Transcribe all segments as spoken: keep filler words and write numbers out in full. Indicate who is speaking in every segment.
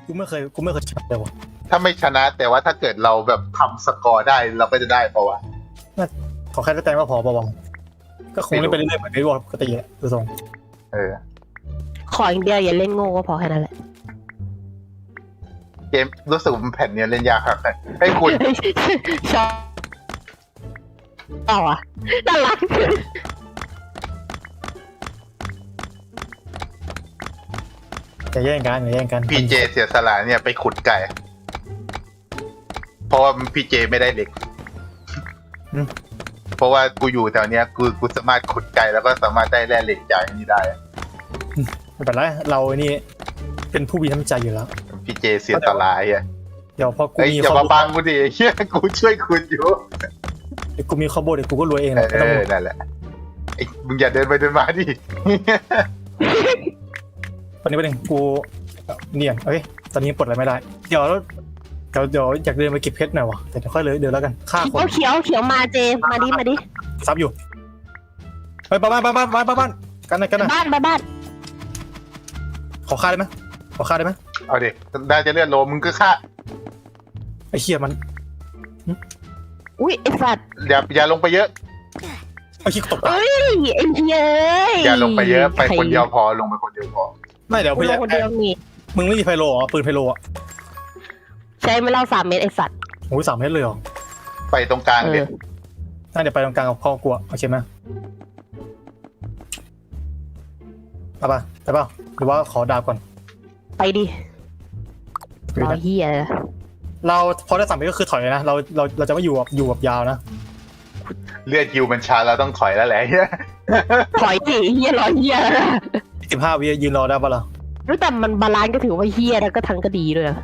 Speaker 1: กูไม่เคยกูไม่เคยชนะเลยวะ
Speaker 2: ถ้าไม่ชนะแต่ว่าถ้าเกิดเราแบบทำสกอร์ได้เราก็จะได้ปะวะ
Speaker 1: ขอแค่ได้แต้มก็พอปะวะก็คงเล่นไปเรื่อยๆเหมือนไอ้วอลปกติแหละดูทรง
Speaker 2: เออ
Speaker 3: ขออย่างเดียวอย่าเล่นโง่ก็พอแค่นั้นแหละ
Speaker 2: เกมรู้สึกมันแผ่นเนี้ยเล่นยากครับให้คุณ
Speaker 3: ชอบต่ออ่ะน่ารัก
Speaker 1: อย่าแย่งกันอย่าแย่งกัน
Speaker 2: พีเจเสียสละเนี่ยไปขุดไก่ เพราะว่าพีเจไม่ได้เหล็กเพราะว่ากูอยู่แถวเนี้ยกูกูสามารถขุดไก่แล้วก็สามารถได้แร่เหล็กจากนี่ได้
Speaker 1: ไม่เป็นไรเรานี่เป็นผู้มีน้ำใจอยู่แล้ว
Speaker 2: พีเจเสียสละอ่ะ
Speaker 1: เดี๋ยวพอกู
Speaker 2: เอ้ย
Speaker 1: มี
Speaker 2: อย่า
Speaker 1: ข้อ
Speaker 2: มา
Speaker 1: มูล
Speaker 2: บังกูดิเฮียกูช่วยคุณอยู่
Speaker 1: กูมีข้อมูลเดี๋ยวกูก็รวยเอง
Speaker 2: เอ
Speaker 1: แหละ
Speaker 2: อนั่นแหละไอ้มึงอย่าเดินไปเดินมาดิ
Speaker 1: ตอนนี้ประเด็นกูเนี่ยเอ้ยตอนนี้ปลดอะไรไม่ได้เดี๋ยวเดี๋ยวเดี๋ยวอยากเดินไปเก็บเพชรหน่อยวะแต่เดี๋ยวค่อยเลยเดี๋ยวแล้วกันฆ่าคน
Speaker 3: เขียวเขียวเขียวมาเจมาดิมาดิ
Speaker 1: ซับอยู่เฮ้ยบ้านบ้านบ้านบ้านบ้านบ้านกันหน่อยกันหน่อย
Speaker 3: บ้านบ้านบ้าน
Speaker 1: ขอฆ่าได้ไหมขอฆ่าได้ไหม
Speaker 2: เอาดิได้จะเลื่อนโลมึงก็ฆ่า
Speaker 1: ไอ้เหี้ยมัน
Speaker 3: อุ้ยไอ้สัตว์
Speaker 2: อย่าอย่าลงไปเยอะ
Speaker 1: ไอ้ขี้ตก
Speaker 3: เอ้ยไอ้เหี้ย
Speaker 2: อย่าลงไปเยอะไปคนเดียวพอลงไปคนเดียวพอ
Speaker 1: ไม่เดี๋ยว
Speaker 3: กู
Speaker 1: พี่
Speaker 3: ลงคนเดียวนี่
Speaker 1: มึงไม่มีไพโลเหรอปืนไพโลอ่ะ
Speaker 3: ใช้ไม่เล่าสามเมตรไอ้สัตว์
Speaker 1: โอ้ยสามเมตรเลยเหรอ
Speaker 2: ไปตรงกลาง
Speaker 3: เอ
Speaker 2: เล
Speaker 3: อย
Speaker 1: น่าเดี๋ยวไปตรงกลางกับพ่อกลัวโอเคไหมไปป่ะไปป่ะหรือว่าขอดาบก่อน
Speaker 3: ไปดิรอเหี้ยเลย
Speaker 1: เราพอได้สามเมตรก็คือถอยเลยนะเราเราเราจะไม่อยู่แบบอยู่แบบยาวนะ
Speaker 2: เลือดยิวมันช้าเราต้องถอยแล้วแหละ
Speaker 3: ถอยดิเหี้ยรอเหี้ย
Speaker 1: สิบห้าวิยืนรอได้ป่ะล่ะ
Speaker 3: รู้แต่มันบาลานซ์ก็ถือว่าเหี้ยแล้วก็ทั้งก็ดีด้วย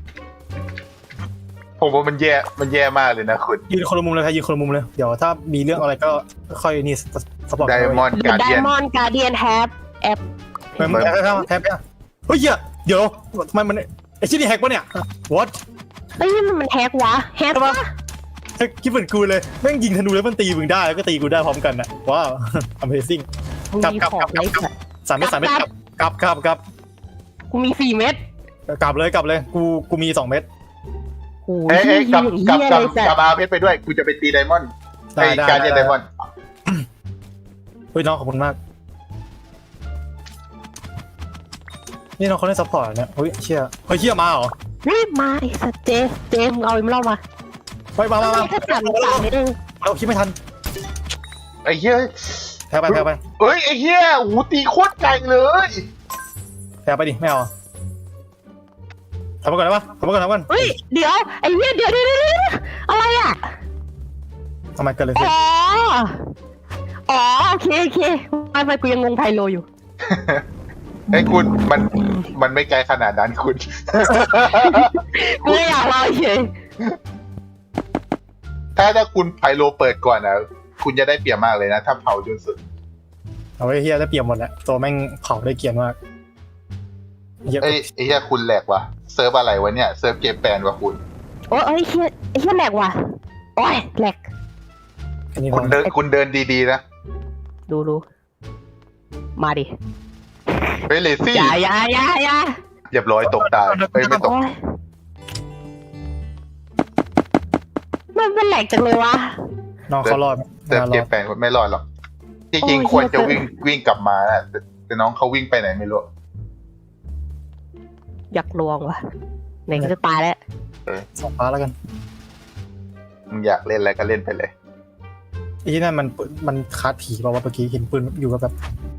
Speaker 2: ผมว่ามันแย่มันแย่มากเลยนะคุณ
Speaker 1: ยืนคนละมุมเลยครับยืนคนละมุมเลยเดี๋ยวถ้ามีเรื่องอะไรก็ค่อยนี่สปอร์ต
Speaker 2: ไดมอนด์การ
Speaker 3: ได
Speaker 2: เดียน
Speaker 3: มอนด์การเดียนแฮปแอป
Speaker 1: แพ้แพ้แพ้แพ้แพ้เฮ้ยเดี๋ยวทำไมมันไอ้ชิ้นนี้แฮกปะเนี่ย what
Speaker 3: เฮ้ยมันมันแฮกวะแฮกวะ
Speaker 1: คิดเหมือนกูเลยแม่งยิงธนูแล้วมันตีมึงได้แล้วก็ตีกูได้พร้อมกันอ่ะว้าว amazing
Speaker 3: กู
Speaker 1: กลับ
Speaker 3: มี
Speaker 1: กลับ
Speaker 3: ขอก
Speaker 1: ลั
Speaker 3: ง
Speaker 1: บ
Speaker 3: ไอ้สัตว์
Speaker 1: สามเมตรสามเมตรกลับกลับกลับกลับ
Speaker 3: กูมีสี่เม็ด
Speaker 1: กลับเลยกลับเลยกูกูมีสองเมตร
Speaker 3: โอ้
Speaker 2: เอ้ย
Speaker 3: ย
Speaker 2: เอ้ยกลับกลับ
Speaker 3: เหี้ย
Speaker 2: กลับ
Speaker 3: เลยสัต
Speaker 2: กลับ
Speaker 3: ว์
Speaker 2: อาเพชรไปด้วยกูจะไปตีไดมอนด์
Speaker 1: ได้
Speaker 2: ไอ้
Speaker 1: ได้
Speaker 2: การเดียนไดมอนด์
Speaker 1: เฮ้ยน้องขอบคุณมากนี่น้องเขาเล่นซัพพอร์ตเนี่ยเฮ้ยเชี่ยเฮ้ยเชี่ยมาเหรอ
Speaker 3: เฮ้ยมาไอ้สัตว์เจเจมงเอาไอ้มันเล่ามา
Speaker 1: ไปมามามา
Speaker 3: ถ้าสามสามเม็ดเอง
Speaker 1: เราคิดไม่ทัน
Speaker 2: ไอ้เหี้ย
Speaker 1: แพ้ไปแพ้ไป
Speaker 2: เอ้ยไอ้เหี้ยหูตีโคตรไกลเลย
Speaker 1: แพ้ไปดิไม่เอาทำมาก่อนได้ปะทำมาก่อนทำมาก่อน
Speaker 3: เฮ้ยเดี๋ยวไอ้เหี้ยเดี๋ยวเดี๋ยวเดี๋ยวเดี๋ยวอะไรอ่ะ
Speaker 1: ทำไมเกิดอะไรขึ้น
Speaker 3: อ๋ออ๋อโอเคโอเคไม่ไม่กูยังงงไพโลอยู่
Speaker 2: ไอ้ยคุณมันมันไม่ไกลขนาดนั้นคุณ
Speaker 3: กูไม่อยากรอเฉย
Speaker 2: ถ้าถ้าคุณไพโลเปิดก่อนนะคุณจะได้เปรียบมากเลยนะถ้าเผาจนสุด
Speaker 1: เอาไว้เฮียได้เปรียบหมดแหละตัวแม่งเผาได้เกรียนมากเฮีย
Speaker 2: เอ้ยไอ้เหี้ยคุณแหลกวะเซิร์ฟอะไรวะเนี่ยเซิร์ฟเกมแปลนวะคุณ
Speaker 3: โอ้ยไอ้เหี้ยไอ้เหี้ยแหลกว่ะโอ้ยแหลก
Speaker 1: อันนี้
Speaker 2: คุณเดินคุณเดินดีๆนะ
Speaker 3: ดูดูมาดิ
Speaker 2: เฮ้ยเลซี่
Speaker 3: อย่าอย่าอย่าอย่า
Speaker 2: เรียบร้อยตกตายเฮ้ยไม่ตก
Speaker 3: โอ้ยมันเป็นแหลกจังเลยวะ
Speaker 1: น้องเขารอด
Speaker 2: เซิร์ฟ
Speaker 1: ร
Speaker 2: เก
Speaker 1: อ
Speaker 2: ม
Speaker 1: ด
Speaker 2: แปลนไม่รอดหรอกจริง
Speaker 3: โอ้ย
Speaker 2: ๆควรจะ
Speaker 3: เหี้ย
Speaker 2: วิ่งวิ่งกลับมานะแต่แต่น้องเขาวิ่งไปไหนไม่รู้
Speaker 3: อยากลวงว่ะไหนก็จะตายแล้ว
Speaker 1: สองฟ้าแล้วกัน
Speaker 2: มึงอยากเล่นอะไรก็เล่นไปเลย
Speaker 1: ไอ้ที่นั่นมันมันคาดผีเปล่าวะเมื่อกี้เห็นปืนอยู่กับแบบ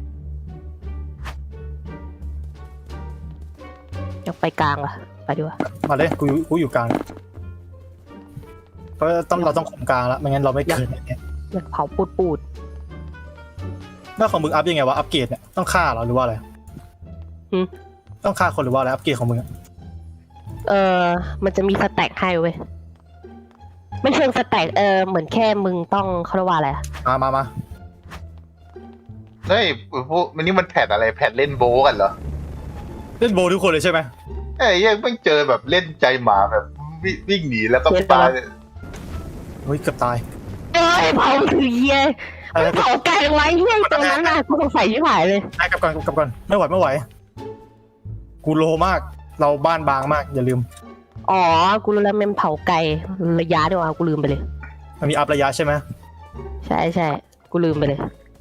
Speaker 3: อยากไปกลางว่ะไปดีกว่า
Speaker 1: มาเลยกูอยู่กูอยู่กลางเพราะต้องเราต้องคุมกลางแล้วไม่งั้นเราไม่เกินเนี่ย
Speaker 3: อยากเผาปูดปูด
Speaker 1: หน้าของมึงอัพยังไงวะอัพเกรดเนี่ยต้องฆ่าเหรอหรือว่าอะไรต้องฆ่าคนหรือว่าอะไรอัพเกรดของมึงอะ
Speaker 3: เออมันจะมีสแต็กให้เว้ยไม่เชิงสแต็กเออเหมือนแค่มึงต้องเขาเรียกว่าอะไรอะ
Speaker 1: มามามา
Speaker 2: เฮ้ยพวกมันนี่มันแพทอะไรแพทเล่นโบว์กันเหรอ
Speaker 1: เล่นโบว์ทุกคนเลยใช่ไหม
Speaker 2: เอ้ยยังไม่เจอแบบเล่นใจหมาแบบวิ่งวิ่งหนีแล้วก็ตาย
Speaker 1: เฮ้ยเกือบตาย
Speaker 3: เอ้ยเผาคือเหี้ย
Speaker 1: อะไร
Speaker 3: มันเผาไกลไว้เหี้ยตรงนั้นน่ะกูสงสัยชิบหายเลย
Speaker 1: ได้กลับก่อนกลับก่อนไม่ไหวไม่ไหวกูโลมากเราบ้านบางมากอย่าลืม
Speaker 3: อ๋อ กูรู้แล้วมันเผาไก่ระยะดีกว่ากูลืมไปเลย
Speaker 1: มันมีอัพระยะใช่ไหม
Speaker 3: ใช่ใช่กูลืมไปเลย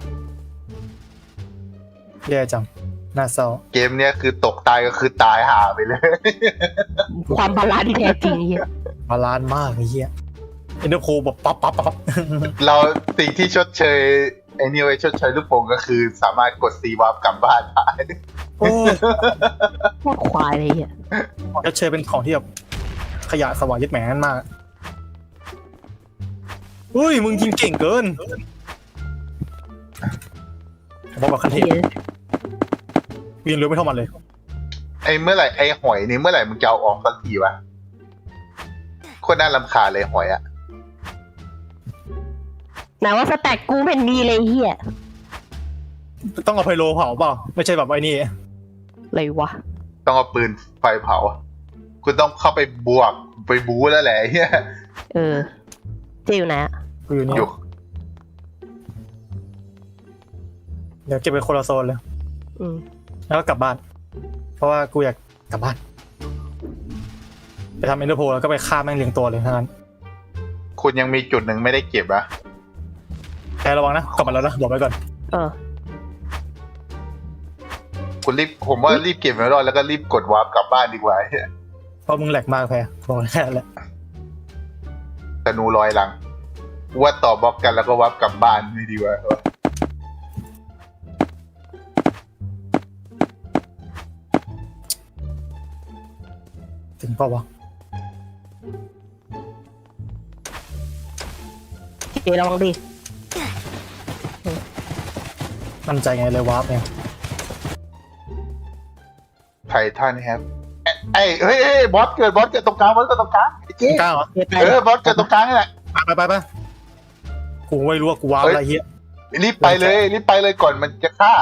Speaker 1: แย่จังน่าเศร้า
Speaker 2: เกมเนี้ยคือตกตายก็คือตายหาไปเลย
Speaker 3: ความบาลานซ์ที่แท้จริงเฮีย
Speaker 1: บาลานซ์มากไอ้เหี้ยเอ็นเดอร์โคแบบปั๊บปั๊บปั๊บ
Speaker 2: เราสิ่งที่ชดเชยไอ้นี่ไว้ชดเชยลูกโป่งก็คือสามารถกดซีวาร์ปกลับบ้านได้
Speaker 1: โอ้ย
Speaker 3: พวกควายเลยเฮีย
Speaker 1: จะเชยเป็นของที่แบบขยะสวายยึดแหมนมากอุ้ยมึงยิงเก่งเกินบอกแบบคันเทพ
Speaker 3: เฮีย
Speaker 1: เรียนรู้ไม่เท่ามันเลย
Speaker 2: ไอ้เมื่อไหร่ไอ้หอยนี่เมื่อไหร่มึงจะเอาออกสักทีวะโคนน่ารำคาญเลยหอยอะ
Speaker 3: ไหนว่าสแต็กกูเป็นดีเลยเฮีย
Speaker 1: ต้องเอาไพโลเผาเปล่าไม่ใช่แบบไอ้นี่
Speaker 3: อะไรวะ
Speaker 2: ต้องเอาปืนไฟเผา คุณต้องเข้าไปบวกไปบู๊แล้วแหละไอ้เฮีย
Speaker 3: เออ เจอยู่ไหนอะ
Speaker 1: กูอยู่นี่
Speaker 2: อยู่
Speaker 1: เดี๋ยวเก็บไปคนละโซนเลย
Speaker 3: อืม
Speaker 1: แล้วก็กลับบ้าน เพราะว่ากูอยากกลับบ้านไปทำเอ็นเตอร์โพลแล้วก็ไปฆ่าแม่งเรียงตัวเลยทั้งนั้น
Speaker 2: คุณยังมีจุดหนึ่งไม่ได้เก็บอะ
Speaker 1: แต่ระวังนะกลับมาแล้วนะบอกไว้ก่อน
Speaker 3: เออ
Speaker 2: คุณรีบผมว่ารีบเก็บไว้รอดแล้วก็รีบกดวาร์ปกลับบ้านดีกว่าไอ้เหี้ย
Speaker 1: เพราะมึงแหลกมากแพ้บอกแค่นั้นแหละ
Speaker 2: ธนูลอยหลังว่าต่อบล็อกกันแล้วก็วาร์ปกลับบ้านไม่ดีกว่า
Speaker 1: ถึงเปล่าวะ
Speaker 3: เจระวังดิ
Speaker 1: มั่นใจไงเลยวาร์ปเนี่ย
Speaker 2: ไททันครับไอ้เฮ้ยเฮ้ยบอสเกิดบอสเกิดตรงกลางบอสเกิดตรงกลางไอ้เจ๊
Speaker 1: กล้าเหรอ
Speaker 3: เจไป
Speaker 2: เออบอสเกิดตรงกลางนี่แหละ
Speaker 1: ไปไปไปกูไม่รู้ว่ากูวาร์ปอะไรเฮีย
Speaker 2: รีบไปเลยรีบไปเลยก่อนมันจะฆ่า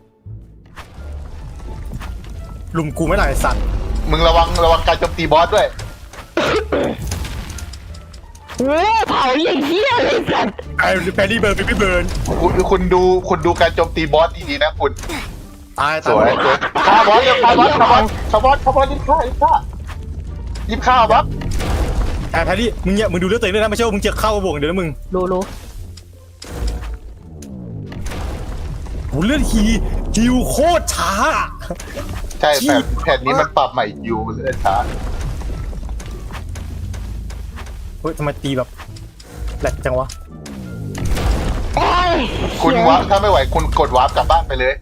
Speaker 1: ลุมกูไม่หลายสัตว์
Speaker 2: มึงระวังระวังการโจมตีบอสด้วย
Speaker 3: โอ้เผาอย่างเฮียเลยสัตว์
Speaker 1: ไอ้แพดดี้เบิร์นพี่เบิร์น
Speaker 2: คุณคุณดูคุณดูการโจมตีบอสดีๆนะคุณ
Speaker 1: ตาย
Speaker 2: สวยสวยฆ่าบอสเร็วฆ่าบอสฆ่าบอสฆ่าบอสฆ่าบอสรีบฆ่ารีบฆ่ารีบฆ่าบอส
Speaker 1: ไอ้แพดดี้มึงเนี่ยมึงดูเลือดตัวเองด้วยนะไม่ใช่ว่ามึงจะเข้าบ่วงเดี๋ยวนะมึง
Speaker 3: รู้รู้
Speaker 1: โหเลือดฮีฮิวโคตรช้า
Speaker 2: ใช่แผ่นแผ่นนี้มันปรับใหม่อยู่เลยช้า
Speaker 1: เฮ้ยทำไมตีแบบแหลกจังวะ
Speaker 3: โอ้ย
Speaker 2: คุณวาร์ปถ้าไม่ไหวคุณกดวาร์ปกลับบ้านไปเลย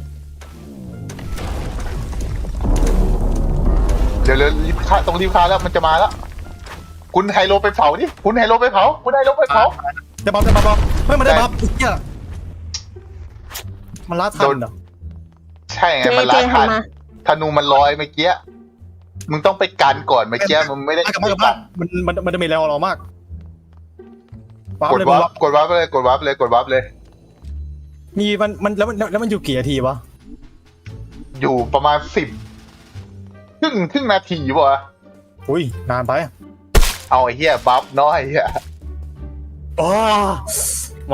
Speaker 2: เดี๋ยวเร็วรีบฆ่าต้องรีบฆ่าแล้วมันจะมาแล้วคุณไฮโลไปเผาดิคุณไฮโลไปเผาคุณไฮโลไปเผา
Speaker 1: จะบัฟจะบัฟบัฟไม่มาได้บัฟไอ้เหี้ยมันล้าทันเหรอ
Speaker 2: ใช่ไง
Speaker 3: เจ
Speaker 2: มัน
Speaker 3: เจ
Speaker 2: ล้า
Speaker 3: หั
Speaker 2: ทั
Speaker 3: น
Speaker 2: น
Speaker 3: มา
Speaker 2: ธนูมันลอยเมื่อกี้มึงต้องไปกันก่อนเมื่อกี้มึงไม่ได้
Speaker 1: กลับมากลับมามันมันมันจะมีแรงเรามากวาร์ป
Speaker 2: กด
Speaker 1: เลย
Speaker 2: วา
Speaker 1: มึง
Speaker 2: ร์
Speaker 1: วา
Speaker 2: ป
Speaker 1: ร์ป
Speaker 2: กดวาร์ปเลยกดวาร์ปเลยกดวาร์ปเลย
Speaker 1: มีมันมันแล้วมันแล้วมันอยู่กี่นาทีวะ
Speaker 2: อยู่ประมาณสิบครึ่งครึ่งนาทีวะ
Speaker 1: อุ้ยนานไป
Speaker 2: เอาไอ้เหี้ยบัฟน้อยไอ้เหี้ย
Speaker 1: อ๋อหมา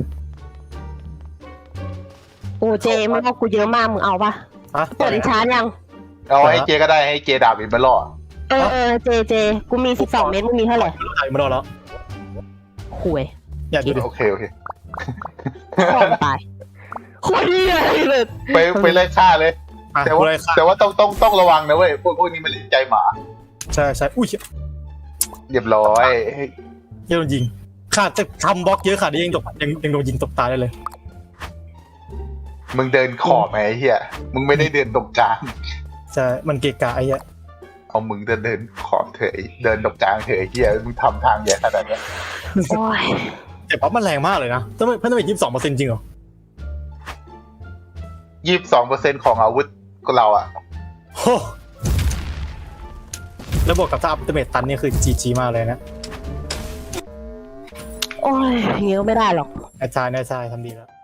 Speaker 3: โอ้เจไม่เอากูเยอะมากมึงเอาปะ
Speaker 1: ฮะ
Speaker 3: เปิดดิชาร์จยัง
Speaker 2: เอาให้เจก็ได้ให้เจดาบอีกมาล่อ
Speaker 3: เออเออเจเจกูมีสิบสองเมตรมึงมีเท่าไหร่
Speaker 1: ถ่ายมาแล้วแล้ว
Speaker 3: ห่วย
Speaker 1: อย่าดูดิ
Speaker 2: โอเคโอเค
Speaker 3: พ่อมึงตายโคตรดีเลย
Speaker 2: ไปไปไล่ฆ่าเลย
Speaker 1: อ่ะ
Speaker 2: แต่
Speaker 1: กู
Speaker 2: ว่า
Speaker 1: เลยค่ะ
Speaker 2: แต่ว่าต้องต้องต้องระวังนะเว้ยพวกพวกนี้มันเล่นใจหมา
Speaker 1: ใช่ใช่อุ้ย
Speaker 2: เรียบร้อย
Speaker 1: เหี้ยโดนยิงขาดจะทำบล็อกเยอะขาดนี้ยังตกยังยังโดนยิงตกตายได้เลย
Speaker 2: มึงเดินขอบไหมไอ้เหี้ยมึงไม่ได้เดินตรงกลาง
Speaker 1: ใช่มันเกะกะไอ้เหี้ย
Speaker 2: เอามึงเดินเดินขอบเถอะไอ้เดินตรงกลางเถอะไอ้เหี้ยมึงทำทางใหญ่ขนาดเนี้ย
Speaker 3: โอ้ย
Speaker 1: แต่ปั๊บมันแรงมากเลยนะทำไมเพิ่มไปยี่สิบสองเปอร์เซ็นต์จริงเหรอ
Speaker 2: ยี่สิบสองเปอร์เซ็นต์ของอาวุธของเราอ่ะ
Speaker 1: โหแล้วบวกกับถ้าอัพเดเมตตันนี่คือจีจีมากเลยนะ
Speaker 3: โอ้ยอย่างงี้ก็ไม่ได้หรอก
Speaker 1: อาจารย์อาจารย์ทำดีแล้ว